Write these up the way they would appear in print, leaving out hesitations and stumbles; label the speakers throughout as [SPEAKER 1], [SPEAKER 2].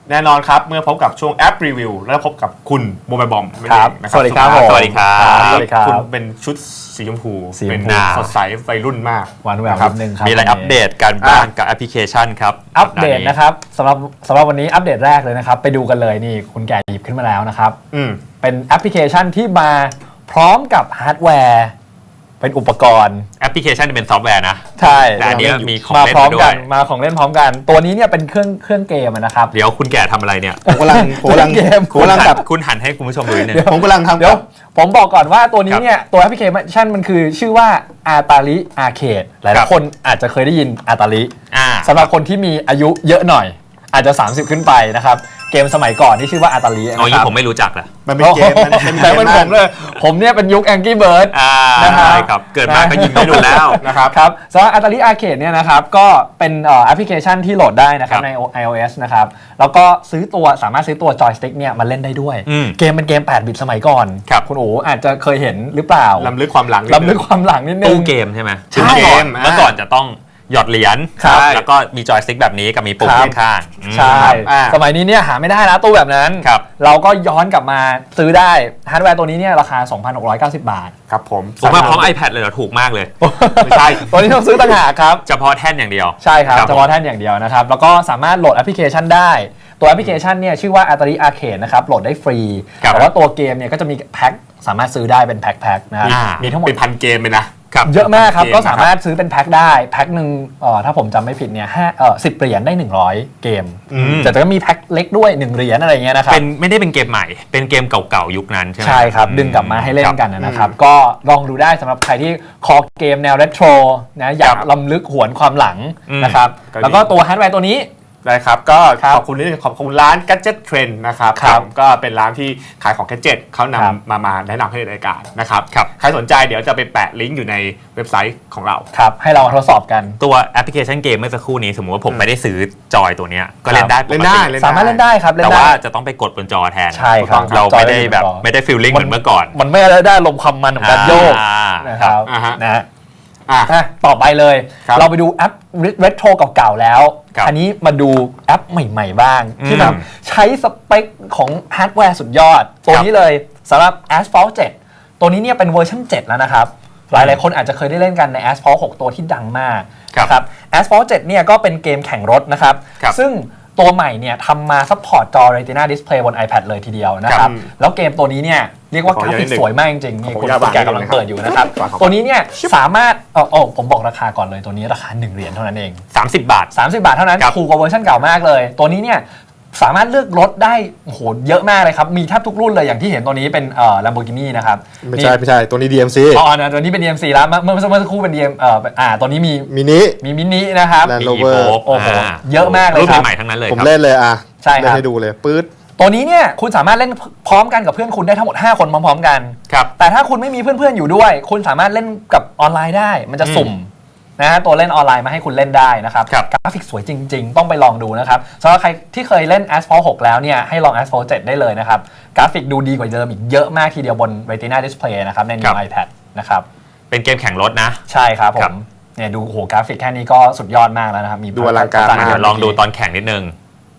[SPEAKER 1] แน่นอนครับเมื่อพบกับช่วงแอปรีวิวแล้วพบกับคุณโมบายบอม
[SPEAKER 2] ครับสวัสดีครับผม
[SPEAKER 3] สวัสดีครับ
[SPEAKER 2] สวัสดีครับ
[SPEAKER 1] คุณเป็นชุดสีชมพู
[SPEAKER 2] สีชมพู
[SPEAKER 1] เป็นสดใสวัยรุ่นมาก
[SPEAKER 2] หวานแหวว
[SPEAKER 1] นะครับ
[SPEAKER 2] นิดนึงครับ
[SPEAKER 3] มีอะไรอัปเดตกันบ้างกับแอปพลิเคชันครับ
[SPEAKER 2] อัปเดตนะครับสำหรับวันนี้อัปเดตแรกเลยนะครับไปดูกันเลยนี่คุณแก่หยิบขึ้นมาแล้วนะครับ เป็นแอปพลิเคชันที่มาพร้อมกับฮาร์ดแวร์เป็นอุปกรณ์
[SPEAKER 3] แอปพลิเคชันเป็นซอฟต์แวร์นะ
[SPEAKER 2] ใช่
[SPEAKER 3] แต่อันนี้มีของ
[SPEAKER 2] มา
[SPEAKER 3] เล่น
[SPEAKER 2] พร้อม
[SPEAKER 3] มาด้ว
[SPEAKER 2] กั
[SPEAKER 3] ย
[SPEAKER 2] นมาของเล่นพร้อมกัน ตัวนี้เนี่ยเป็นเครื่องเกมนะครับ
[SPEAKER 3] เดี๋ยวคุณแก่ทำอะไรเนี่ย
[SPEAKER 1] ผมกำลัง
[SPEAKER 2] เกม
[SPEAKER 3] คุณหันให้คุณผู้ชมดูนิดนึง
[SPEAKER 1] ผมกำลังทำ
[SPEAKER 2] เดี๋ยวผมบอกก่อนว่าตัวนี้เนี่ยตัวแอปพลิเคชันมันคือชื่อว่าอาตาลิอาร์เคดหลายๆคนอาจจะเคยได้ยินอาตาลิสำหรับคนที่มีอายุเยอะหน่อย อาจจะ30ขึ้นไปนะครับเกมสมัยก่อนที่ชื่อว่าอาตาลินะครับ
[SPEAKER 3] อ๋อยี่ผมไม่รู้จักนะ
[SPEAKER 1] มันเป็นเกมมันเป็นเก
[SPEAKER 2] แต่
[SPEAKER 1] ม
[SPEAKER 2] เป็นผมเลยผมเนี่ยเป็นยุค Angry Bird นะครับ
[SPEAKER 3] ใช่ครับ เกิดมาก็ยิงไม่โดนแล้ว
[SPEAKER 2] ครับสำหรับอาตาลิอาร์เคดเนี่ยนะครับก็เป็นแอปพลิเคชันที่โหลดได้นะครับใน iOS นะครับแล้วก็สามารถซื้อตัวจอยสติ๊กเนี่ยมาเล่นได้ด้วยเกมเป็นเกม8บิตสมัยก่อนคุณโอ๋อาจจะเคยเห็นหรือเปล่า
[SPEAKER 1] ล้ำลึกความหลัง
[SPEAKER 2] นิดนึง
[SPEAKER 3] ตู้เกมใช่ไหม
[SPEAKER 2] ใช่
[SPEAKER 3] เมื่อก่อนจะต้องหยอดเหรียญแล้วก็มีจอยสติ๊กแบบนี้กับมีปุ่มข้างๆ
[SPEAKER 2] ใช่สมัยนี้เนี่ยหาไม่ได้แล้วตู้แบบนั้นเราก็ย้อนกลับมาซื้อได้ฮาร์ดแวร์ตัวนี้เนี่ยราคา 2,690 บาท
[SPEAKER 1] ครับผม
[SPEAKER 3] มาพร้อม iPad เลยเหรอถูกมากเลย
[SPEAKER 1] ไม่ใช่
[SPEAKER 2] ตัวนี้ต้องซื้อต่างหากครับ
[SPEAKER 3] เฉพาะแท่นอย่างเดียว
[SPEAKER 2] ใช่ครับเฉพาะแท่นอย่างเดียวนะครับแล้วก็สามารถโหลดแอปพลิเคชันได้ตัวแอปพลิเคชันเนี่ยชื่อว่า Atari Arcade นะครับโหลดได้ฟรีแต่ว่าตัวเกมเนี่ยก็จะมีแพ็คสามารถซื้อได้เป็นแพ็คนะครับมีทั้งหมด
[SPEAKER 1] เป็นพันเกมเลยนะ
[SPEAKER 2] เยอะมากครับก็สามารถซื้อเป็นแพ็คได้แพ็คหนึ่งถ้าผมจำไม่ผิดเนี่ย10 เหรียญได้100เกมแต่ก็มีแพ็คเล็กด้วย1เหรียญอะไรเงี้ยนะครับ
[SPEAKER 3] ไม่ได้เป็นเกมใหม่เป็นเกมเก่าๆยุคนั้นใช่ไหม
[SPEAKER 2] ใช่ครับดึงกลับมาให้เล่นกันนะครับก็ลองดูได้สำหรับใครที่คอเกมแนวเรโทรนะอยากล้ำลึกหวนความหลังนะครับแล้วก็ตัวฮาร์ดแวร์ตัวนี้
[SPEAKER 1] ได้ครับก็ขอบคุณร้าน Gadget Trend นะครับก็เป็นร้านที่ขายของ Gadget เขานำมาแนะนำให้ในรายการนะครับใครสนใจเดี๋ยวจะไปแปะลิงก์อยู่ในเว็บไซต์ของเรา
[SPEAKER 2] ครับให้เราทดสอบกัน
[SPEAKER 3] ตัวแอปพลิเคชันเกมเมื่อสักครู่นี้สมมติว่าผมไม่ได้ซื้อจอยตัวนี้ก็เล่นได้
[SPEAKER 2] สามารถเล่นได้ครับ
[SPEAKER 3] แต่ว่าจะต้องไปกดบนจอแทน
[SPEAKER 2] ใช่ครับ
[SPEAKER 3] เราไม่ได้ฟีลลิ่งเหมือนเมื่อก่อน
[SPEAKER 2] มันไม่ได้ลมความมันของการโยกนะครับนะต่อไปเลยเราไปดูแอปเรโทรเก่าๆแล้วอันนี้มาดูแอปใหม่ๆบ้างที่แบบใช้สเปคของฮาร์ดแวร์สุดยอดตัวนี้เลยสำหรับ Asphalt 7 ตัวนี้เนี่ยเป็นเวอร์ชัน7แล้วนะครับหลายๆคนอาจจะเคยได้เล่นกันใน Asphalt 6 ตัวที่ดังมากครับ Asphalt 7 เนี่ยก็เป็นเกมแข่งรถนะครับซึ่งตัวใหม่เนี่ยทำมาซัพพอร์ตจอ Retina Display บน iPad เลยทีเดียวนะครับแล้วเกมตัวนี้เนี่ยเรียกว่ากราฟิกสวยมากจริงๆนี่คุณแกกำลังเปิดอยู่นะครับตัวนี้เนี่ยสามารถผมบอกราคาก่อนเลยตัวนี้ราคา1เหรียญเท่านั้นเอง
[SPEAKER 3] 30 บาท
[SPEAKER 2] เท่านั้นถูกกว่าเวอร์ชันเก่ามากเลยตัวนี้เนี่ยสามารถเลือกรถได้โหเยอะมากเลยครับมีแทบทุกรุ่นเลยอย่างที่เห็นตัวนี้เป็นLamborghini นะครับ
[SPEAKER 1] ไม่ใช่ตัวนี้ DMC
[SPEAKER 2] นะตัวนี้เป็น DMC แล้วเมื่อสักครู่เป็น DM ตัวนี้มี
[SPEAKER 1] มินิ
[SPEAKER 2] นะครับ
[SPEAKER 1] Land Rover
[SPEAKER 2] โอ้โหเยอะมากเลย
[SPEAKER 3] รุ่นใหม่ทั้งนั้นเลย
[SPEAKER 1] ผมเล่นเลย
[SPEAKER 2] ใช่ครับ
[SPEAKER 1] ให้ดูเลยปื๊ด
[SPEAKER 2] ตัวนี้เนี่ยคุณสามารถเล่นพร้อมกันกับเพื่อนคุณได้ทั้งหมด5คนพร้อมๆกันแต่ถ้าคุณไม่มีเพื่อนๆอยู่ด้วยคุณสามารถเล่นกับออนไลน์ได้มันจะสุ่มนะฮะตัวเล่นออนไลน์มาให้คุณเล่นได้นะครับกราฟิกสวยจริงๆต้องไปลองดูนะครับสำหรับใครที่เคยเล่น Asphalt 6 แล้วเนี่ยให้ลอง Asphalt 7 ได้เลยนะครับกราฟิกดูดีกว่าเดิมอีกเยอะมากทีเดียวบน Retina Display นะครับใน New iPad นะครับ
[SPEAKER 3] เป็นเกมแข่งรถนะ
[SPEAKER 2] ใช่ครับผมเนี่ยดูโหกราฟิกแค่นี้ก็สุดยอดมากแล้วนะครับมี
[SPEAKER 1] ดูอลังการมาก
[SPEAKER 3] ลองดูตอนแข่งนิดนึง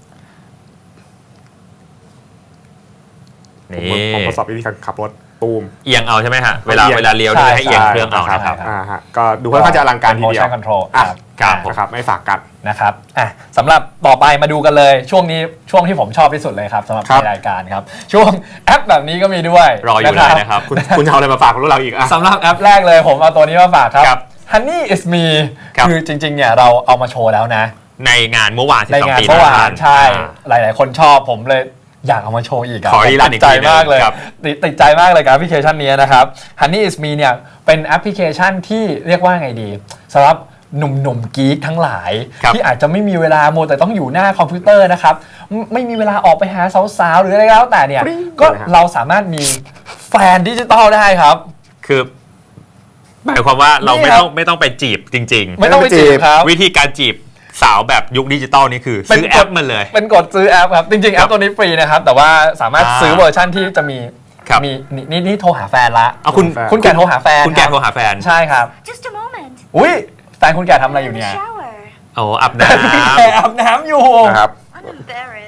[SPEAKER 1] ผมทดสอบวิธีการขับรถตูม
[SPEAKER 3] เอียงเอาใช่ไหมฮะเวลาเลี้ยวให้เอียงเครื่องเอานะครับ
[SPEAKER 1] ก็ดูค่อนข้างจะอลังการทีเดียว
[SPEAKER 2] motion control
[SPEAKER 1] ครับไม่ฝากกัน
[SPEAKER 2] นะครับสำหรับต่อไปมาดูกันเลยช่วงที่ผมชอบที่สุดเลยครับสำหรับรายการครับช่วงแอปแบบนี้ก็มีด้วย
[SPEAKER 3] รออยู่เลยนะครับ
[SPEAKER 1] คุณเอาอะไรมาฝากพวกเราอีก
[SPEAKER 2] สำหรับแอปแรกเลยผมเอาตัวนี้มาฝากครับ Honey is me คือจริงๆเนี่ยเราเอามาโชว์แล้วนะ
[SPEAKER 3] ในงานเมื่อวาน
[SPEAKER 2] 12 ปีใช่หลายๆคนชอบผมเลยอยากเอามาโชว์อีกติดใจมากเลยติดใจมากเลยกับแอปพลิเคชันนี้นะครับ Honey is me เนี่ยเป็นแอปพลิเคชันที่เรียกว่าไงดีสำหรับหนุ่มๆกี๊กทั้งหลายที่อาจจะไม่มีเวลาโมแต่ต้องอยู่หน้าคอมพิวเตอร์นะครับไม่มีเวลาออกไปหาสาวๆหรืออะไรก็แล้วแต่เนี่ยก็เราสามารถมีแฟนดิจิตอลได้ครับ
[SPEAKER 3] คือหมายความว่าเราไม่ต้องไปจีบจริงๆ
[SPEAKER 2] ไม่ต้องไปจีบครับ
[SPEAKER 3] วิธีการจีบสาวแบบยุคดิจิตอลนี่คือซื้อแอปมันเลย
[SPEAKER 2] เป็นกดซื้อแอปครับจริงๆแอปตัวนี้ฟรีนะครับแต่ว่าสามารถซื้อเวอร์ชันที่จะมีนี่โทรหาแฟนละคุณแก่โทรหาแฟนใช่ครับอุ้ยแฟนคุณแก่ทำอะไรอยู่เนี่ย
[SPEAKER 3] โอ้อาบน้
[SPEAKER 2] ำอาบน้ำอยู่
[SPEAKER 1] ครับ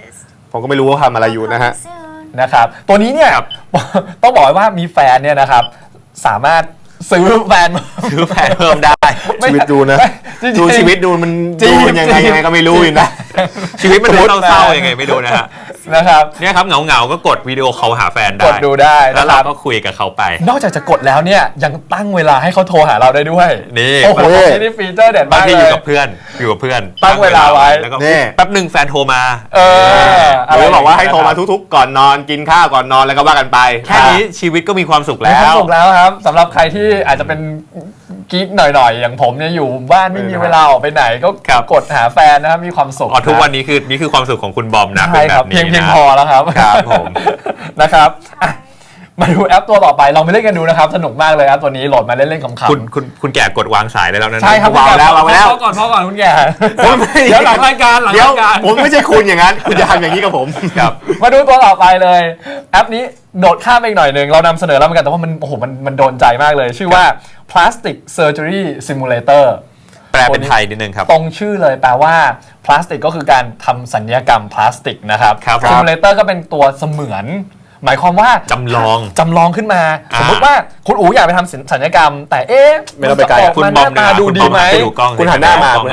[SPEAKER 1] ผมก็ไม่รู้ว่าทำอะไรอยู่นะฮะ
[SPEAKER 2] นะครับตัวนี้เนี่ย ต้องบอกว่ามีแฟนเนี่ยนะครับสามารถซื้อแฟน
[SPEAKER 3] เพิ่มได้
[SPEAKER 1] ชีวิตดูนะดูชีวิตดูมันดูยังไงก็ไม่รู้อยู่นะ
[SPEAKER 3] ชีวิตมันดูเศร้าๆยังไงไม่รู้นะฮะ
[SPEAKER 2] นะครับ
[SPEAKER 3] เนี่ยครับเหงาก็กดวิดีโอคอลหาแฟนได้
[SPEAKER 2] กดดูได้
[SPEAKER 3] แล้วเราก็คุยกับเขาไป
[SPEAKER 2] นอกจากจะกดแล้วเนี่ยยังตั้งเวลาให้เขาโทรหาเราได้ด้วย
[SPEAKER 3] นี่
[SPEAKER 2] โอ้โหนี่ฟีเจอร์เด็ดมากเลย
[SPEAKER 3] อยู่กับเพื่อน
[SPEAKER 2] ตั้งเวลาไว้
[SPEAKER 3] แล้วก็แป๊บหนึ่งแฟนโทรมา
[SPEAKER 1] หรือบอกว่าให้โทรมาทุกๆก่อนนอนกินข้าวก่อนนอนแล้วก็ว่ากันไป
[SPEAKER 3] แค่นี้ชีวิตก็มีความสุขแล้ว
[SPEAKER 2] มีความสุขแล้วครับสำหรับใครที่อาจจะเป็นกิ๊กหน่อยๆอย่างผมเนี่ยอยู่บ้านไม่มีเวลาออกไปไหนก็กดหาแฟนนะครับมีความสุข
[SPEAKER 3] ทุกวันนี้คือความสุขของคุณบอมนะ
[SPEAKER 2] ใช่ครับเพียงพอแล้วครับ
[SPEAKER 3] ครับผม
[SPEAKER 2] นะครับมาดูแอปตัวต่อไปลองไปเล่นกันดูนะครับสนุกมากเลยครับตัวนี้โหลดมาเล่นๆขำ
[SPEAKER 3] ๆคุณแก่กดวางสายได้แล้วนะ
[SPEAKER 2] ใช่ครับ
[SPEAKER 1] วางแล้ว
[SPEAKER 2] พ่อก่อนคุณแก่เดี๋ยวหลังรายการ
[SPEAKER 1] ผมไม่ใช่คุณอย่างนั้นคุณจะทำอย่างนี้กับผม
[SPEAKER 2] ครับมาดูตัวต่อไปเลยแอปนี้โดดข้ามไปอีกหน่อยนึงเรานำเสนอแล้วเหมือนกันแต่ว่ามันโอ้โหมันโดนใจมากเลยชื่อว่า Plastic Surgery Simulator
[SPEAKER 3] แปลเป็นไทยนิดนึงครับ
[SPEAKER 2] ตรงชื่อเลยแปลว่าพลาสติกก็คือการทำศัลยกรรมพลาสติกนะครับ Simulator ก็เป็นตัวเสมือนหมายความว่า
[SPEAKER 3] จำล
[SPEAKER 2] องขึ้นมาสมมติว่าคุณอู๋อยากไปทำศัลยกรรมแต่
[SPEAKER 1] ไม่ต้องไปไกล
[SPEAKER 2] คุณบอมหน้าดูดีไหม
[SPEAKER 1] คุณหันหน้ามา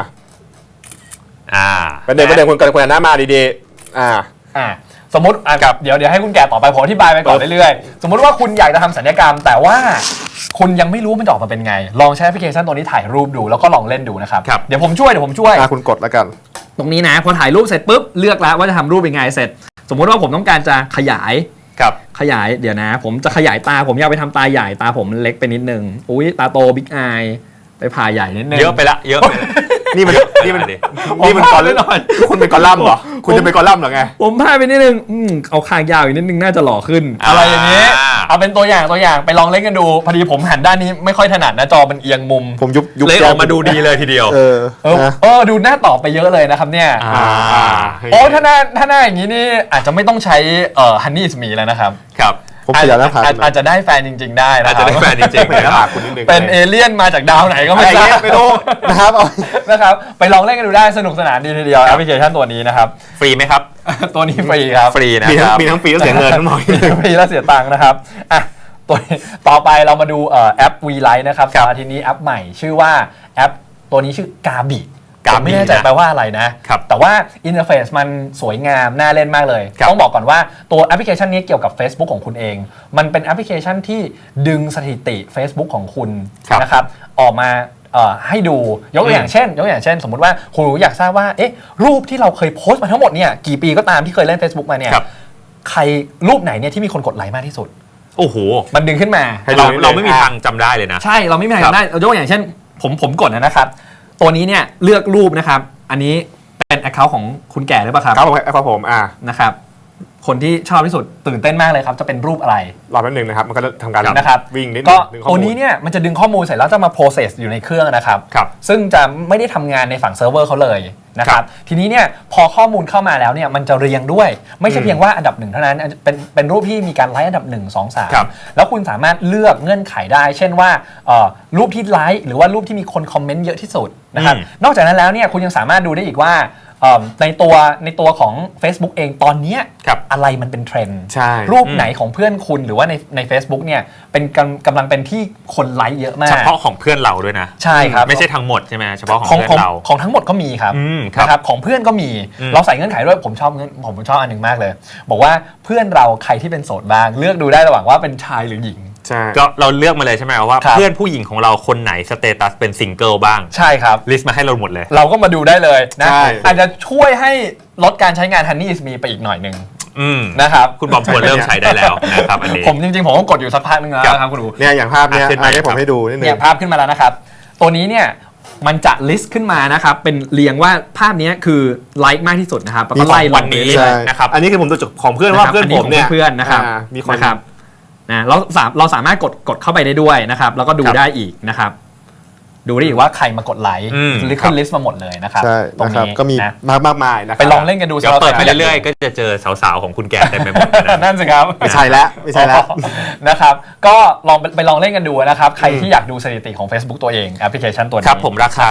[SPEAKER 1] ประเด็นคุณหันหน้ามาดี
[SPEAKER 2] สมมติกับเดี๋ยวให้คุณแก่ต่อไปผมอธิบายไปก่อนเรื่อยๆสมมติว่าคุณอยากจะทำศัลยกรรมแต่ว่าคุณยังไม่รู้มันจะออกมาเป็นไงลองใช้แอปพลิเคชันตัวนี้ถ่ายรูปดูแล้วก็ลองเล่นดูนะครับเดี๋ยวผมช่วย
[SPEAKER 1] คุณกดแล้วกัน
[SPEAKER 2] ตรงนี้นะพอถ่ายรูปเสร็จปุ๊บเลือกแล้วว่าจะทำรูปเป็นไงเสร็จสมมติว่าผมต้องการจะขยายเดี๋ยวนะผมจะขยายตาผมอยากไปทำตาใหญ่ตาผมเล็กไปนิดนึงอุ้ยตาโตบิ๊กอายไปผ่าใหญ่นิดนึง
[SPEAKER 3] เยอะไปละ
[SPEAKER 1] นี่มันกอลัมน์คุณเป็นกอลัมน์เหรอคุณจะเป็นกอลัมน์เหรอไง
[SPEAKER 2] ผมพาไปนิดนึงเอาคางยาวอีกนิดนึงน่าจะหล่อขึ้นอะไรอย่างนี้เอาเป็นตัวอย่างไปลองเล่นกันดูพอดีผมหันด้านนี้ไม่ค่อยถนัดนะจอมันเอียงมุม
[SPEAKER 1] ผมยุบ
[SPEAKER 3] เลยออกมาดูดีเลยทีเดียว
[SPEAKER 2] ดูหน้าต่อไปเยอะเลยนะครับเนี่ยโอ้ถ้าหน้าอย่างนี้นี่อาจจะไม่ต้องใช้Honey is Me แล้วนะครับอาจจะได้แฟนจริงๆได้นะค
[SPEAKER 3] รับอาจจะได้แฟนจริงๆเลย
[SPEAKER 1] นะครับคุณนิดนึง
[SPEAKER 2] เป็นเอเลี่ยนมาจากดาวไหนก็ไม่ทราบ
[SPEAKER 1] ไม่รู้
[SPEAKER 2] นะครับไปลองเล่นกันดูได้สนุกสนานดีทีเดียวแอปพลิเคชันตัวนี้นะครับ
[SPEAKER 3] ฟรีไหมครับ
[SPEAKER 2] ตัวนี้ฟรีครับ
[SPEAKER 3] ฟรีนะครับ
[SPEAKER 1] มีทั้งฟรีและเสียเงินทั้งหมด
[SPEAKER 2] ฟรีและเสียตังค์นะครับตัวต่อไปเรามาดูแอป V Lite นะครับทีนี้แอปใหม่ชื่อว่าแอปตัวนี้ชื่อกาบิไม่แน่ใจแปลว่าอะไรนะแต่ว่าอินเทอร์เฟซมันสวยงามน่าเล่นมากเลยต้องบอกก่อนว่าตัวแอปพลิเคชันนี้เกี่ยวกับ Facebook ของคุณเองมันเป็นแอปพลิเคชันที่ดึงสถิติ Facebook ของคุณนะครับออกมาให้ดูยกตัวอย่างเช่นสมมติว่าคุณอยากทราบว่ารูปที่เราเคยโพสต์มาทั้งหมดเนี่ยกี่ปีก็ตามที่เคยเล่น Facebook มาเนี่ยใครรูปไหนเนี่ยที่มีคนกดไลค์มากที่สุด
[SPEAKER 3] โอ้โห
[SPEAKER 2] มันดึงขึ้นมา
[SPEAKER 3] เราไม่มีทางจำได้เลยนะ
[SPEAKER 2] ใช่เราไม่มีทางจำได้ยกตัวอย่างเช่นผมกดนะครับตัวนี้เนี่ยเลือกรูปนะครับอันนี้เป็น account ของคุณแก่หรือเปล่าครับ
[SPEAKER 1] ครับผม
[SPEAKER 2] นะครับคนที่ชอบที่สุดตื่นเต้นมากเลยครับจะเป็นรูปอะไร
[SPEAKER 1] รอแป๊บนึงนะครับมันก็ทำการ
[SPEAKER 2] นะครับ
[SPEAKER 1] วิ่งนิด
[SPEAKER 2] ก็ตัวนี้เนี่ยมันจะดึงข้อมูลเสร็จแล้วจะมา process อยู่ในเครื่องนะครับซึ่งจะไม่ได้ทำงานในฝั่งเซิร์ฟเวอร์เขาเลยนะครับทีนี้เนี่ยพอข้อมูลเข้ามาแล้วเนี่ยมันจะเรียงด้วยไม่ใช่เพียงว่าอันดับ1เท่านั้นเป็นรูปที่มีการไลค์อันดับ1 2 3แล้วคุณสามารถเลือกเงื่อนไขได้เช่นว่ารูปที่ไลค์หรือว่ารูปที่มีคนคอมเมนต์เยอะที่สุดนะครับนอกจากนั้นแล้วเนี่ยคุณยังสามารถดูได้อีกว่าในตัวของ Facebook เองตอนนี้อะไรมันเป็นเทรนด์รูปไหนของเพื่อนคุณหรือว่าใน Facebook เนี่ยเป็นกำลังเป็นที่คนไลค์เยอะมาก
[SPEAKER 3] เฉพาะของเพื่อนเราด้วยนะ
[SPEAKER 2] ใช่ครับ
[SPEAKER 3] ไม่ใช่ทั้งหมดใช่ไหมเฉพาะของเพื่อนเรา
[SPEAKER 2] ของทั้งหมดก็มีครับนะครับของเพื่อนก็มีเราใส่เงื่อนไขด้วยผมชอบอันหนึ่งมากเลยบอกว่าเพื่อนเราใครที่เป็นโสดบ้างเลือกดูได้ระหว่างว่าเป็นชายหรือหญิง
[SPEAKER 3] ก็เราเลือกมาเลยใช่ไหมว่าเพื่อนผู้หญิงของเราคนไหนสเตตัสเป็นซิงเกิลบ้าง
[SPEAKER 2] ใช่ครับ
[SPEAKER 3] ลิสต์มาให้เราหมดเลย
[SPEAKER 2] เราก็มาดูได้เลยนะอาจจะช่วยให้ลดการใช้งาน Honey is Me ไปอีกหน่อยนึงนะครับ
[SPEAKER 3] คุณบอมควรเริ่มใช้ได้แล้วนะครับอันนี้
[SPEAKER 2] ผมจริงๆผมก็กดอยู่สักพักนึงแล้วนะครับคุณดู
[SPEAKER 1] เนี่ยอย่างภาพเนี่ยให้ผมให้ดูนิดนึง
[SPEAKER 2] เนี่ยภาพขึ้นมาแล้วนะครับตัวนี้เนี่ยมันจะลิสต์ขึ้นมานะครับเป็นเรียงว่าภาพนี้คือไลค์มากที่สุดนะครับแล้วก็ไล่
[SPEAKER 3] วันนี้นะครับ
[SPEAKER 1] อันนี้คือผมดูจากของเพื่อนว่าเพื่อนผมเนี่ย
[SPEAKER 2] เพื่อนนะครับ
[SPEAKER 1] มีคน
[SPEAKER 2] นะเราสามารถกดเข้าไปได้ด้วยนะครับแล้วก็ดูได้อีกนะครับดูได้อีกว่าใครมากดไลค์ขึ้นลิสต์มาหมดเลยนะครับ
[SPEAKER 1] ตรงนี้ก็มีมากมายนะครับ
[SPEAKER 2] ไปลองเล่นกันดู
[SPEAKER 3] เดี๋ยวเปิดไปเรื่อยๆก็จะเจอสาวๆของคุณแก่เต็มไปหมด
[SPEAKER 2] นั่นสิครับ
[SPEAKER 1] ไม่ใช่แล้ว
[SPEAKER 2] นะครับก็ลองเล่นกันดูนะครับใครที่อยากดูสถิติของ Facebook ตัวเองแอปพลิเคชันตัวนี้
[SPEAKER 3] ครับผมราคาครับ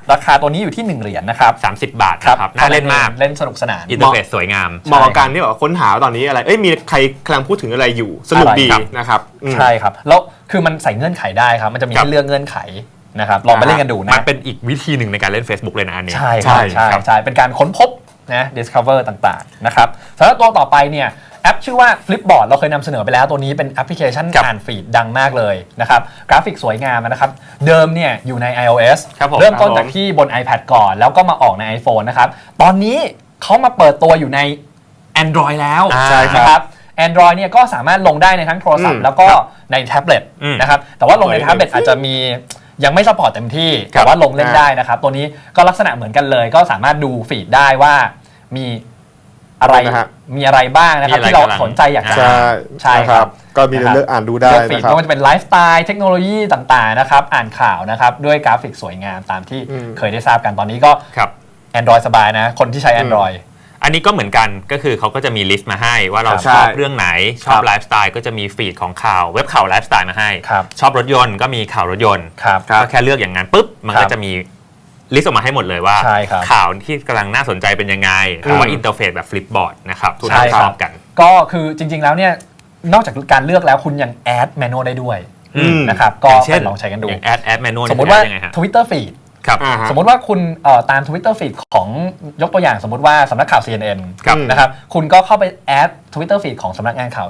[SPEAKER 2] ราคาตัวนี้อยู่ที่1เหรียญนะครับ
[SPEAKER 3] 30 บาทนะครับน่าเล่นมาก
[SPEAKER 2] เล่นสนุกสนาน
[SPEAKER 3] อินเทอร์เฟซสวยงาม
[SPEAKER 1] เหมาะกับการที่แบบค้นหาตอนนี้อะไรมีใครกำลังพูดถึงอะไรอยู่สนุกดีนะครับ
[SPEAKER 2] ใช่ครับแล้วคือมันใส่เงื่อนไขได้ครับมันจะมีให้เลือกเงื่อนไขนะครับลองไปเล่นกันดูนะ
[SPEAKER 3] มันเป็นอีกวิธีหนึ่งในการเล่น Facebook เลยนะอันนี้
[SPEAKER 2] ใช่เป็นการค้นพบนะ discover ต่างๆนะครับสำหรับตัวต่อไปเนี่ยแอปชื่อว่า Flipboard เราเคยนำเสนอไปแล้วตัวนี้เป็นแอปพลิเคชันอ่านฟีดดังมากเลยนะครับกราฟิกสวยงามนะครับเดิมเนี่ยอยู่ใน iOS เริ่มต้นจากที่บน iPad ก่อนแล้วก็มาออกใน iPhone นะครับตอนนี้เขามาเปิดตัวอยู่ใน Android แล้วนะครับ Android เนี่ยก็สามารถลงได้ในทั้งโทรศัพท์แล้วก็ในแท็บเล็ตนะครับแต่ว่าลงในแท็บเล็ตอาจจะมียังไม่ซัพพอร์ตเต็มที่แต่ว่าลงเล่นได้นะครับตัวนี้ก็ลักษณะเหมือนกันเลยก็สามารถดูฟีดได้ว่ามีอะไรบ้างนะครับที่เราสนใจอยากจะ
[SPEAKER 1] ใช่ครับก็มีเลือกอ่านดูได้
[SPEAKER 2] นะครับไม่ว่าจะเป็นไลฟ์สไตล์เทคโนโลยีต่างๆนะครับอ่านข่าวนะครับด้วยกราฟิกสวยงามตามที่เคยได้ทราบกันตอนนี้ก็ Android สบายนะคนที่ใช้ Android
[SPEAKER 3] อันนี้ก็เหมือนกันก็คือเขาก็จะมีลิสต์มาให้ว่าเราชอบเรื่องไหนชอบไลฟ์สไตล์ก็จะมีฟีดของข่าวเว็บข่าวไลฟ์สไตล์มาให้ชอบรถยนต์ก็มีข่าวรถยนต์ก็แค่เลือกอย่างนั้นปุ๊บมันก็จะมีลิสต์ออกมาให้หมดเลยว่าข่าวที่กำลังน่าสนใจเป็นยังไงหรือว่าอินเทอร์เฟซแบบฟลิปบอร์ดนะครับทุกท่านชอบกัน
[SPEAKER 2] ก็คือจริงๆแล้วเนี่ยนอกจากการเลือกแล้วคุณยังแอดแมนนวลได้ด้วยนะครับก็ลองใช้กันดู
[SPEAKER 3] แอดแมนนวล
[SPEAKER 2] สมมติว่า Twitter Feed สมมติว่าคุณตาม Twitter Feed ของยกตัวอย่างสมมติว่าสำนักข่าว CNN นะครับคุณก็เข้าไปแอด Twitter Feed ของสำนักข่าว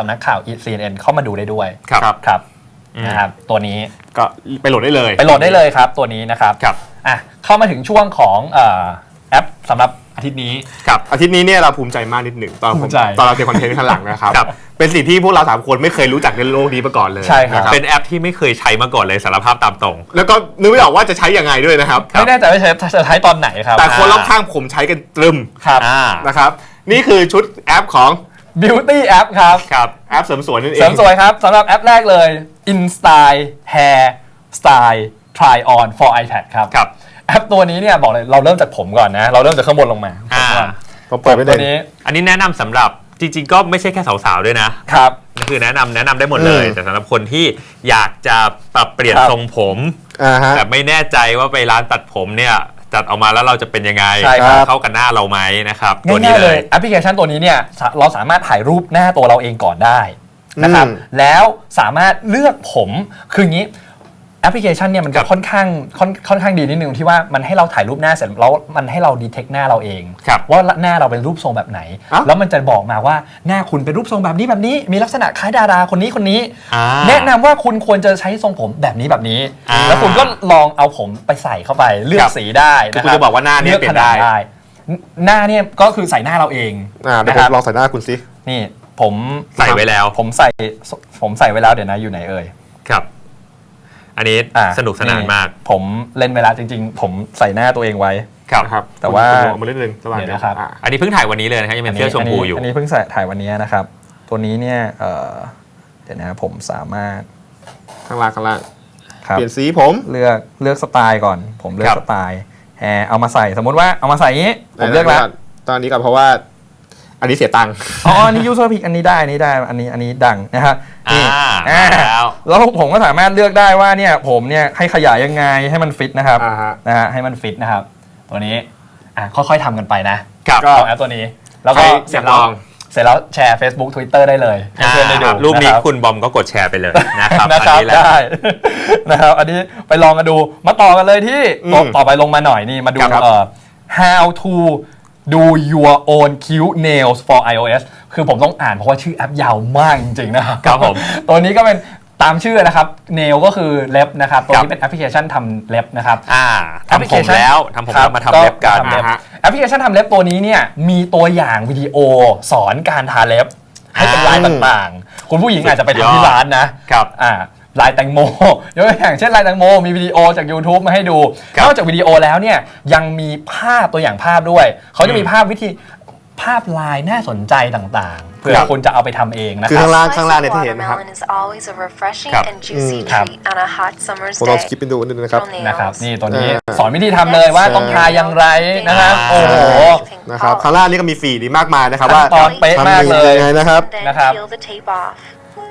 [SPEAKER 2] CNN เข้ามาดูได้ด้วยครับนะครับตัวนี้
[SPEAKER 1] ก็ไปโหลดได้เลย
[SPEAKER 2] ครับตัวนี้นะครับเข้ามาถึงช่วงของแอปสำหรับอาทิตย์นี้
[SPEAKER 1] อาทิตย์นี้เนี่ยเราภูมิใจมากนิดหนึ่งตอนเราเขียนคอนเทนต์ข้างหลังนะครับเป็นสิ่งที่พวกเรา3คนไม่เคยรู้จักในโลกนี้มาก่อนเลย
[SPEAKER 2] ใช่ครับ
[SPEAKER 3] เป็นแอปที่ไม่เคยใช้มาก่อนเลยสารภาพตามตรง
[SPEAKER 1] แล้วก็นึกไม่ออกว่าจะใช้ยังไงด้วยนะครับ
[SPEAKER 2] ไม่แน่ใจว่าจะใช้ตอนไหนครับ
[SPEAKER 1] แต่คนรอบข้างผมใช้กันตรึมนะครับนี่คือชุดแอปของ
[SPEAKER 2] Beauty App ครับ
[SPEAKER 1] แอปเสริมสวยนั่นเอง
[SPEAKER 2] เสริมสวยครับสำหรับแอปแรกเลย InStyle Hair Style Try On for iPad ครับแอปตัวนี้เนี่ยบอกเลยเราเริ่มจากผมก่อนนะเราเริ่มจากข้างบนลงมา
[SPEAKER 1] ผมเปิดไปตัว
[SPEAKER 3] นี้อันนี้แนะนำสำหรับจริงๆก็ไม่ใช่แค่สาวๆด้วยนะครับคือแนะนำได้หมดเลยแต่สำหรับคนที่อยากจะปรับเปลี่ยนทรงผมแต่ไม่แน่ใจว่าไปร้านตัดผมเนี่ยจัดออกมาแล้วเราจะเป็นยังไงเข้ากันหน้าเราไหมนะครับ
[SPEAKER 2] ตัวนี้เลยแอปพลิเคชันตัวนี้เนี่ยเราสามารถถ่ายรูปหน้าตัวเราเองก่อนได้นะครับแล้วสามารถเลือกผมคืออย่างนี้แอปพลิเคชันเนี่ยมันจะค่อนข้างดีนิดนึงที่ว่ามันให้เราถ่ายรูปหน้าเสร็จแล้วมันให้เราดีเทคหน้าเราเองว่าหน้าเราเป็นรูปทรงแบบไหนแล้วมันจะบอกมาว่าหน้าคุณเป็นรูปทรงแบบนี้มีลักษณะคล้ายดาราคนนี้แนะนำว่าคุณควรจะใช้ทรงผมแบบนี้แล้วคุณก็ลองเอาผมไปใส่เข้าไปเลือกสีได้
[SPEAKER 1] คุณจะบอกว่าหน้านี้เปลี่ยนได้
[SPEAKER 2] หน้าเนี่ยก็คือใส่หน้าเราเอง
[SPEAKER 1] นะครับลองใส่หน้าคุณสิ
[SPEAKER 2] นี่ผม
[SPEAKER 3] ใส่ไว้แล้ว
[SPEAKER 2] ผมใส่ไว้แล้วเดี๋ยวนะอยู่ไหนเอ่ย
[SPEAKER 3] ครับอันนี้สนุกสนานมาก
[SPEAKER 2] ผมเล่นเวลาจริงๆผมใส่หน้าตัวเองไว้
[SPEAKER 3] ครับ
[SPEAKER 2] แต่ว่า
[SPEAKER 1] มาเล่นนึง
[SPEAKER 2] เดี๋ยวนะครับ
[SPEAKER 3] อันนี้เพิ่งถ่ายวันนี้เลยนะครับยังเป็นเสื้อชมพูอยู่
[SPEAKER 2] อันนี้เพิ่งถ่ายวันนี้นะครับตัวนี้เนี่ยเดี๋ยวนะผมสามารถ
[SPEAKER 1] ข้างล่างเปลี่ยนสีผม
[SPEAKER 2] เลือกสไตล์ก่อนผมเลือกสไตล์เอามาใส่สมมติว่าเอามาใส่อย่างนี้ผมเลือกแล้ว
[SPEAKER 1] ตอนนี้ก่อนเพราะว่าอันนี้เสียตังค์
[SPEAKER 2] อันนี้ user pick อันนี้ได้อันนี้ดังนะครับแล้วผมก็สามารถเลือกได้ว่าเนี่ยผมเนี่ยให้ขยายยังไงให้มันฟิตนะครับให้มันฟิตนะครับตัวนี้ค่อยๆทำกันไปนะก็แอปตัวนี้แล้วก็เสร็จแล้วแชร์ Facebook Twitter ได้เลยให้เพื่อนได้ดู
[SPEAKER 3] รูปนี้คุณบอมก็กดแชร์ไปเลยนะครับ
[SPEAKER 2] ได้นะครับอันนี้ไปลองกันดูมาต่อกันเลยที่ต่อไปลงมาหน่อยนี่มาดูhow to do your own cute nails for iOS คือผมต้องอ่านเพราะว่าชื่อแอปยาวมากจริงๆนะครับ
[SPEAKER 3] ผม
[SPEAKER 2] ตัวนี้ก็เป็นตามชื่อนะครับ nail ก็คือเล็บนะครับตัวนี้เป็นแอปพลิเคชันทำเล็บนะครับ
[SPEAKER 3] ทำผมแล้วมาทำเล็บกัน
[SPEAKER 2] แอปพลิเคชันทำเล็บตัวนี้เนี่ยมีตัวอย่างวิดีโอสอนการทาเล็บให้เป็นลายต่างๆคุณผู้หญิงอาจจะไปทำที่ร้านนะครับลายแตงโมยกตัวอย่างเช่นลายแตงโมมีวิดีโอจาก YouTube มาให้ดูนอกจากวิดีโอแล้วเนี่ยยังมีภาพตัวอย่างภาพด้วยเขาจะมีภาพลายน่าสนใจต่างๆเพื่อคุณจะเอาไปทำเองนะครับ
[SPEAKER 1] คือข้างล่างเนี่ยที่เห็นนะครับผมลองสกิปไปดูนิดนึง
[SPEAKER 2] นะครับนี่ตัวนี้สอนวิธีทำเลยว่าต้องทาอย่างไรนะครับโอ้โห
[SPEAKER 1] นะครับข้างล่างนี่ก็มีฟีดมากมายนะครับว่า
[SPEAKER 2] ตอนเป๊ะมากเลย
[SPEAKER 1] นะครับ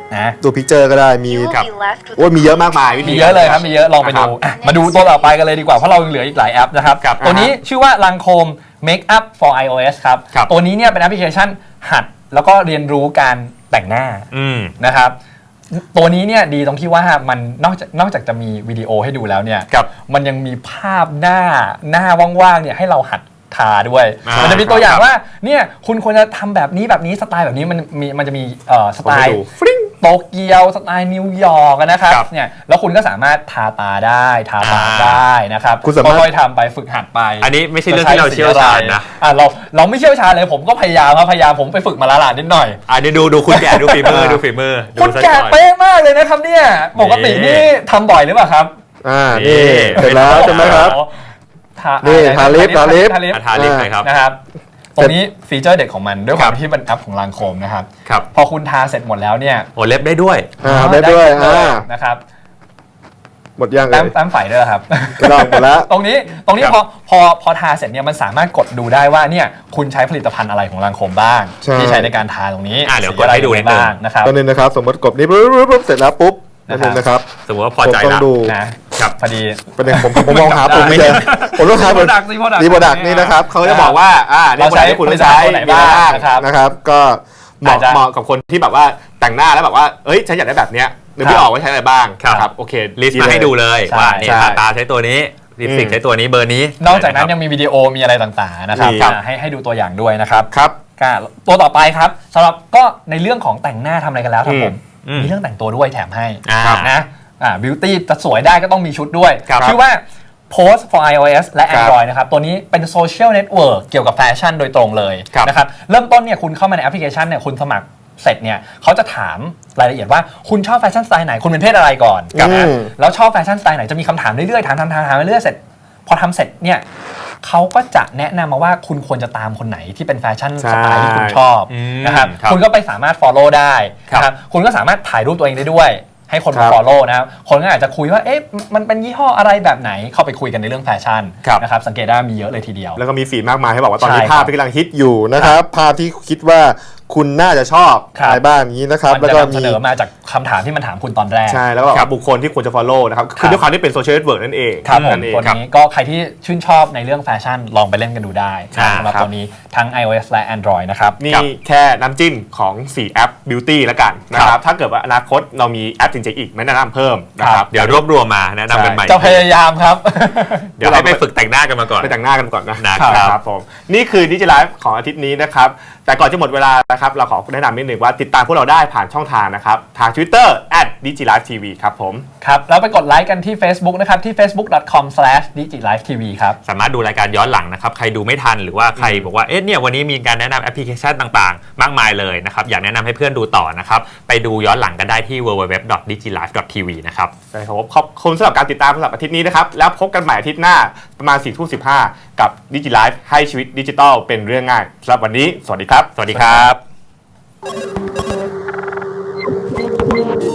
[SPEAKER 2] นะ
[SPEAKER 4] ดูพิกเจอร์ก็ได้มี
[SPEAKER 1] ครับ
[SPEAKER 4] โอ้ยมีเยอะมากมายวิธี
[SPEAKER 2] มีเยอะเลยครับมีเยอะลองไปดู
[SPEAKER 1] นะครับ
[SPEAKER 2] มาดูตัวต่อไปกันเลยดีกว่าเพราะเรายังเหลืออีกหลายแอปนะครับ
[SPEAKER 3] ครับ
[SPEAKER 2] ตัวนี้ชื่อว่า Lancome Makeup for iOS ครับ
[SPEAKER 3] ครับ
[SPEAKER 2] ตัวนี้เนี่ยเป็นแอปพลิเคชันหัดแล้วก็เรียนรู้การแต่งหน้า นะครับตัวนี้เนี่ยดีตรงที่ว่ามันนอกจากจะมีวิดีโอให้ดูแล้วเนี่ย
[SPEAKER 3] ครับ
[SPEAKER 2] มันยังมีภาพหน้าว่างๆเนี่ยให้เราหัดทาด้วย
[SPEAKER 3] อ่ามั
[SPEAKER 2] มันจะมีตัวอย่าง
[SPEAKER 3] ครับ
[SPEAKER 2] ว่าเนี่ยคุณควรจะทำแบบนี้สไตล์แบบนี้มันจะมีสไต
[SPEAKER 1] ผมให้
[SPEAKER 2] ล์
[SPEAKER 1] ดู
[SPEAKER 2] โตเกียวสไตล์นิวยอร์กนะครับ
[SPEAKER 3] ครับ
[SPEAKER 2] เนี่ยแล้วคุณก็สามารถทาตาได้ทาปากได้นะครับ
[SPEAKER 4] คุณสามารถ
[SPEAKER 2] ค่อยๆทำไปฝึกหัดไป
[SPEAKER 3] อันนี้ไม่ใช่เรื่องที่เราเชี่ยวชาญนะ
[SPEAKER 2] เราไม่เชี่ยวชาญเลยผมก็พยายามผมไปฝึกมาละลานนิดหน่อย
[SPEAKER 3] อันนี้ดูคุณแก่ดูฝีมือดูฝีมือดู
[SPEAKER 2] คุณ
[SPEAKER 3] ซะ
[SPEAKER 2] แก่
[SPEAKER 3] ก่อน
[SPEAKER 2] เป๊ะมากเลยนะครับเนี่ยปกตินี่ทำบ่อยหรือเปล่าครับ
[SPEAKER 4] นี่เสร็จแล้วใช่ไหมครับ นี่ทาลิป
[SPEAKER 3] ทาลิปเลยครับ
[SPEAKER 2] นะครับตรงนี้ฟีเจอร์เด็ดของมันด้วยความที่มันแอปของลางโคมนะครับ
[SPEAKER 3] ครับ
[SPEAKER 2] พอคุณทาเสร็จหมดแล้วเนี่ย
[SPEAKER 3] โอ้เล็บได้ด้วย
[SPEAKER 4] ได้ด้วย
[SPEAKER 2] นะครับ
[SPEAKER 4] หมดยังเล
[SPEAKER 2] แต้
[SPEAKER 4] ย
[SPEAKER 2] มไฟด้วยครับ
[SPEAKER 4] ลองหมดแล้ว
[SPEAKER 2] ตรงนี้
[SPEAKER 3] ครับ
[SPEAKER 2] พอทาเสร็จเนี่ยมันสามารถกดดูได้ว่าเนี่ยคุณใช้ผลิตภัณฑ์อะไรของลางโคมบ้าง
[SPEAKER 4] ใช่
[SPEAKER 2] ที่ใช้ในการทาตรงนี้
[SPEAKER 3] เดี๋ยวกดให้ดูนิดนึง
[SPEAKER 2] บ้างนะครับ
[SPEAKER 4] ตัวนึงนะครับสมมติกดนี้ปุ๊บเสร็จแล้วปุ๊บนั่นเองนะครับ
[SPEAKER 3] สมมติว่าพอใจ
[SPEAKER 4] ผมต้อ
[SPEAKER 3] ละ
[SPEAKER 4] งดู
[SPEAKER 2] นะครับพอดี
[SPEAKER 4] ประเด็นผมมองหาปุ่มไม่เจอผมต้องหาปุ่ม
[SPEAKER 2] Product
[SPEAKER 4] ดีโปรดักนี่นะครับ
[SPEAKER 1] เขาจะบอกว่าเนี่ย
[SPEAKER 2] เราใช้
[SPEAKER 1] ที่คุณ
[SPEAKER 2] ผลิต
[SPEAKER 1] ใช้
[SPEAKER 2] ภัณฑ์ตัวไหนบ้างนะครับ
[SPEAKER 4] นะครับ ก็
[SPEAKER 1] เหมาะ
[SPEAKER 2] อาจจะ
[SPEAKER 1] เหมาะกับคนที่แบบว่าแต่งหน้าแล้วแบบว่าเอ้ยฉันอยากได้แบบเนี้ยหรือไม่ออกว่าใช้อะไรบ้าง
[SPEAKER 3] ครับ
[SPEAKER 1] โอเค
[SPEAKER 3] ลิสต์มาให้ดูเลย
[SPEAKER 2] ใช่
[SPEAKER 3] ว่าเนี่ย
[SPEAKER 1] ใช่
[SPEAKER 3] ทาตาใช้ตัวนี้ลิปสติกใช้ตัวนี้เบอร์นี้
[SPEAKER 2] นอกจากนั้นยังมีวิดีโอมีอะไรต่างๆนะครับ
[SPEAKER 1] มีครับ
[SPEAKER 2] ให้ดูตัวอย่างด้วยนะครับ
[SPEAKER 1] ครับ
[SPEAKER 2] ตัวต่อไปครับสำหรับก็ในเรื่องของแต่งหน้าทำอะไรกันแล้วครับผม
[SPEAKER 3] อืม
[SPEAKER 2] มีเรื่องแต่งตัวด้วยแถมให้
[SPEAKER 3] ครับ
[SPEAKER 2] นะบิวตี้จะสวยได้ก็ต้องมีชุดด้วย
[SPEAKER 3] ครับ
[SPEAKER 2] ชื่อว่า Post for iOS และ
[SPEAKER 1] ครับ
[SPEAKER 2] Android นะครับตัวนี้เป็นโซเชียลเน็ตเวิร์กเกี่ยวกับแฟชั่นโดยตรงเลย
[SPEAKER 3] ครับ
[SPEAKER 2] นะครับเริ่มต้นเนี่ยคุณเข้ามาในแอปพลิเคชันเนี่ยคุณสมัครเสร็จเนี่ยเขาจะถามรายละเอียดว่าคุณชอบแฟชั่นสไตล์ไหนคุณเป็นเพศอะไรก่อน
[SPEAKER 4] ครับ
[SPEAKER 2] นะแล้วชอบแฟชั่นสไตล์ไหนจะมีคำถามเรื่อยๆถามไปเรื่อยๆเสร็จ พอทำเสร็จเนี่ยเขาก็จะแนะนำมาว่าคุณควรจะตามคนไหนที่เป็นแฟชั่นสไตล์ที่คุณชอบ
[SPEAKER 3] อืม
[SPEAKER 2] นะครับ
[SPEAKER 3] ครับ
[SPEAKER 2] คุณก็ไปสามารถ follow ได้
[SPEAKER 3] ครับ
[SPEAKER 2] นะครับคุณก็สามารถถ่ายรูปตัวเองได้ด้วย ให้คน
[SPEAKER 4] ครั
[SPEAKER 2] มา
[SPEAKER 4] บ
[SPEAKER 2] follow นะครับคนก็อาจจะคุยว่าเอ๊ะมันเป็นยี่ห้ออะไรแบบไหนเข้าไปคุยกันในเรื่องแฟชั่น
[SPEAKER 3] ครับ
[SPEAKER 2] นะครับสังเกตได้มีเยอะเลยทีเดียว
[SPEAKER 1] แล้วก็มีฟีดมากมายให้บอกว่าตอนนี้
[SPEAKER 2] ใช่
[SPEAKER 1] ภาพ
[SPEAKER 2] ครับ
[SPEAKER 1] ที่กำลังฮิตอยู่
[SPEAKER 4] อยู่นะครับภาพที่คิดว่าคุณน่าจะชอบ
[SPEAKER 2] ครับ
[SPEAKER 4] อะไรบ้างอย่างนี้นะครับ
[SPEAKER 2] มัน
[SPEAKER 4] แล้ว
[SPEAKER 2] จะ
[SPEAKER 4] ก็
[SPEAKER 2] นำเสนอมาจากคำถามที่มันถามคุณตอนแรก
[SPEAKER 1] ใช่แล้วก็
[SPEAKER 3] ครับ
[SPEAKER 1] บุคคลที่ควรจะ follow นะครับคือด้วยความที่เป็นโซเชียลเน็ตเวิร์กนั่นเอง
[SPEAKER 2] ครับผม
[SPEAKER 1] นั่นเอง
[SPEAKER 2] ตัวนี้ก็ใครที่ชื่นชอบในเรื่องแฟชั่นลองไปเล่นกันดูได้
[SPEAKER 3] ครับ
[SPEAKER 2] สำหรับตัวนี้ทั้ง iOS และ Android นะครับ
[SPEAKER 1] นี่แค่น้ำจิ้มของ 4 แอป Beauty แล้วกันนะครับ ถ้าเกิดว่าอนาคตเรามีแอปจริงๆอีกไม่แนะนำเพิ่มนะครับ
[SPEAKER 3] เดี๋ยวรวบรวมมาแนะนำกันใหม่
[SPEAKER 2] จะพยายามครับ
[SPEAKER 3] เดี๋ยวให้ไปฝึกแต่งหน้ากันมาก่อน
[SPEAKER 1] ไปแต่งหน้ากันก่อนนะ
[SPEAKER 3] นะครับ
[SPEAKER 1] ผมนี่คือดิจิไลฟ์ของอาทิตย์นี้นะครับ แต่ก่อนจะหมดเวลานะครับเราขอแนะนำนิดหนึ่งว่าติดตามพวกเราได้ผ่านช่องทางนะครับ ทาง Twitter @digilivetv ครับผม
[SPEAKER 2] ครับแล้วไปกดไลค์กันที่ Facebook นะครับที่ facebook.com/digilivetv ครับ
[SPEAKER 3] สามารถดูรายการย้อนหลังนะครับ ใครดูไม่ทันหรือว่าใครบอกว่าเอ๊ะเนี่ยวันนี้มีการแนะนำแอปพลิเคชันต่างๆ มากมายเลยนะครับ อยากแนะนำให้เพื่อนดูต่อนะครับ ไปดูย้อนหลังกันได้ที่ www.digilive.tv นะครับ
[SPEAKER 1] ใช่ครับผมขอบคุณสำหรับการติดตามสำหรับอาทิตย์นี้นะครับ แล้วพบกันใหม่อาทิตย์หน้าประมาณ4:15กับดิจิไลฟ์ให้ชีวิตดิจิทัลเป็นเรื่องง่ายสำหรับวันนี้สวัสดีครับ
[SPEAKER 3] สวัสดีครับ